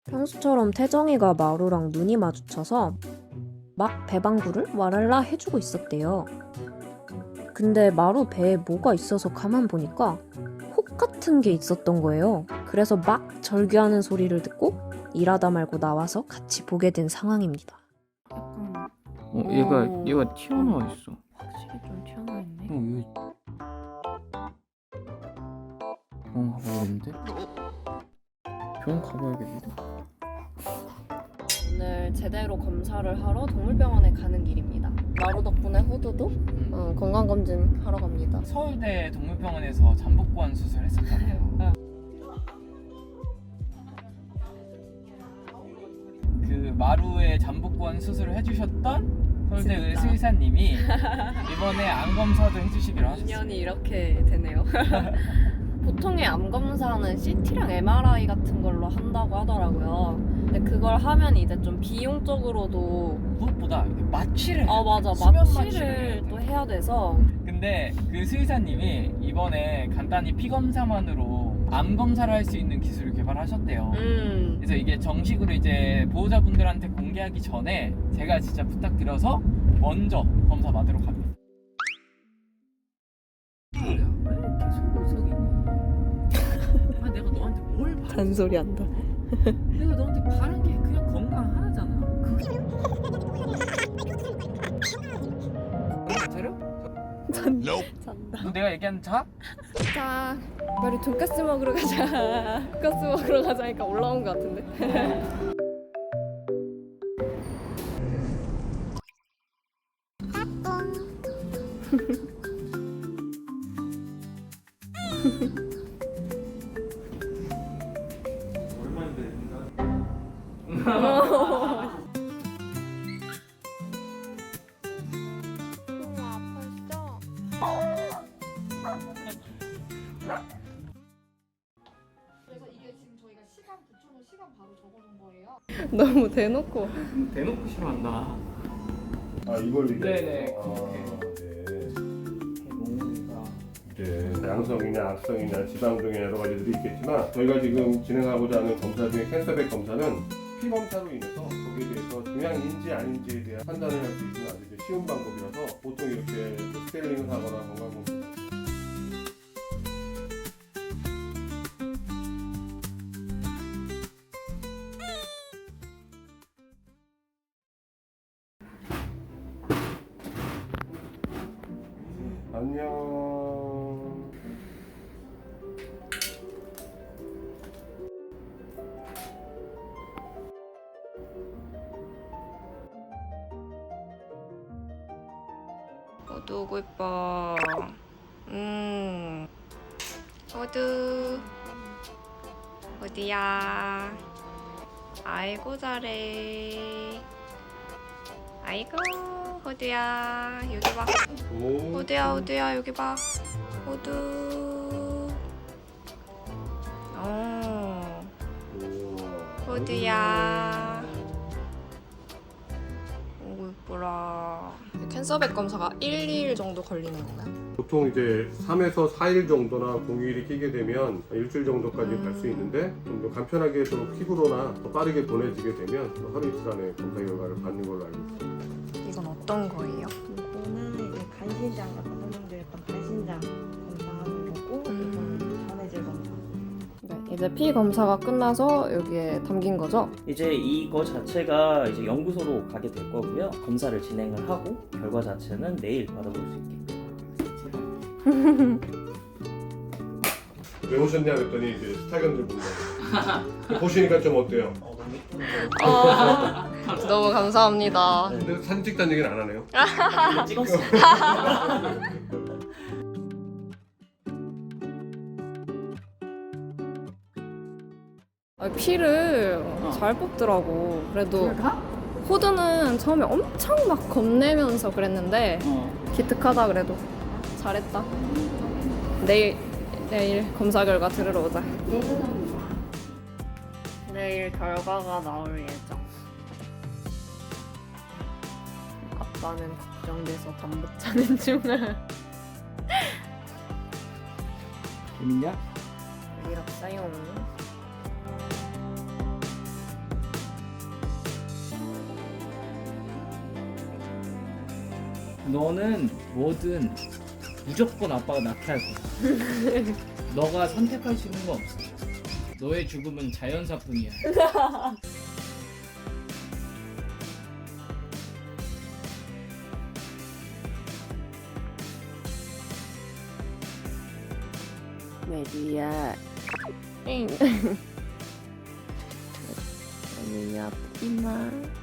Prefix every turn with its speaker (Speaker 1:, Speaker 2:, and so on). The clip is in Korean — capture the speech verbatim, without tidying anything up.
Speaker 1: 평소처럼 태정이가 마루랑 눈이 마주쳐서 막 배방구를 와랄라 해주고 있었대요. 근데 마루 배에 뭐가 있어서 가만 보니까 혹 같은 게 있었던 거예요. 그래서 막 절규하는 소리를 듣고 일하다 말고 나와서 같이 보게 된 상황입니다.
Speaker 2: 약간
Speaker 3: 어, 얘가
Speaker 2: 오.
Speaker 3: 얘가 튀어나와 있어.
Speaker 2: 확실히 좀 튀어나와 있네.
Speaker 3: 어, 여기 병원 가봐야겠는데? 병원 가봐야겠는데?
Speaker 1: 오늘 제대로 검사를 하러 동물병원에 가는 길입니다. 마루 덕분에 호두도 어, 건강검진 하러 갑니다.
Speaker 3: 서울대 동물병원에서 잠복관 수술했었잖아요. 그 마루에 잠복관 수술을 해주셨던 서울대 의술사님이 이번에 암 검사도 해주시기로 하셨어요.
Speaker 1: 인연이 이렇게 되네요. 보통의 암 검사는 씨티랑 엠알아이 같은 걸로 한다고 하더라고요. 근데 그걸 하면 이제 좀 비용적으로도
Speaker 3: 무엇보다 이렇게 마취를
Speaker 1: 아 맞아
Speaker 3: 수면
Speaker 1: 마취를
Speaker 3: 마취를
Speaker 1: 또 해야 돼서
Speaker 3: 근데 그 수의사님이 이번에 간단히 피 검사만으로 암 검사를 할 수 있는 기술을 개발하셨대요.
Speaker 1: 음
Speaker 3: 그래서 이게 정식으로 이제 보호자분들한테 공개하기 전에 제가 진짜 부탁드려서 먼저 검사 받으러 갑니다. 왜 계속 의석이니? 아 내가 너한테 뭘 바라?
Speaker 1: 잔소리 한다.
Speaker 3: 내가 너한테 바란 게 그냥 건강 하나잖아. 그게 차려?
Speaker 1: 잔다.
Speaker 3: 너 내가 얘기한 자?
Speaker 1: 자, 우리 돈까스 먹으러 가자. 돈까스 먹으러 가자니까 올라온 것 같은데.
Speaker 4: 그래서 이게 지금 저희가 시간 붙여놓은 시간 바로 적어놓은 거예요.
Speaker 1: 너무 대놓고.
Speaker 3: 대놓고 싫어한다.
Speaker 5: 아 이걸
Speaker 3: 네네,
Speaker 5: 아,
Speaker 3: 그렇게.
Speaker 5: 네.
Speaker 3: 몽우리가
Speaker 5: 이제 양성이나 악성이나 지방 등의 여러 가지들이 있겠지만 저희가 지금 진행하고자 하는 검사 중에 캔서백 검사는 피 검사로 인해서 거기에 대해서 종양인지 아닌지에 대한 판단을 할 수 있는 아주 이제 쉬운 방법이라서 보통 이렇게 스케일링을 하거나 건강검진 안녕.
Speaker 2: 호두 오고 이뻐. 음. 호두. 호두야. 아이고 잘해. 아이고 호두야 여기 봐.
Speaker 5: 오.
Speaker 2: 호두야 호두야 여기 봐. 호두. 어.
Speaker 5: 우와.
Speaker 2: 호두야. 오고 이뻐라. 캔서백 검사가 일, 이 일 정도 걸리는 건가요?
Speaker 5: 보통 이제 삼에서 사 일 정도나 공휴일이 끼게 되면 일주일 정도까지 갈 수 있는데 좀 더 간편하게 또 퀵으로나 더 빠르게 보내지게 되면 하루 이틀 안에 검사 결과를 받는 걸로 알고 있습니다.
Speaker 2: 이건 어떤 거예요?
Speaker 6: 이거는 이제 간신장 약간 설명드릴 건 간신장 검사하는 거고 이거는 전해질 검사.
Speaker 1: 네, 이제 피 검사가 끝나서 여기에 담긴 거죠?
Speaker 7: 이제 이거 자체가 이제 연구소로 가게 될 거고요. 검사를 진행을 하고 결과 자체는 내일 받아볼 수 있게끔.
Speaker 5: 왜 오셨냐 그랬더니 이제 스타견들 본다고. 보시니까 좀 어때요?
Speaker 7: 어, 너무 예쁜데.
Speaker 1: 어, 너무 감사합니다.
Speaker 5: 근데 사진 찍다는 얘기는 안 하네요.
Speaker 7: 이거 찍었어.
Speaker 1: 아, 피를 잘 뽑더라고. 그래도 호두는 처음에 엄청 막 겁내면서 그랬는데
Speaker 3: 어.
Speaker 1: 기특하다 그래도. 잘했다. 내일 내일 검사 결과 들으러 오자. 내일 결과가 나올 예정. 아빠는 걱정돼서 밥 못 자는 중을.
Speaker 3: 재밌냐?
Speaker 1: 이렇어요.
Speaker 3: 너는 뭐든 무조건 아빠가 낳게 할 거야. 너가 선택할 수 있는 거 없어. 너의 죽음은 자연사뿐이야.
Speaker 1: 메리야. 응. 언니 아프지 마.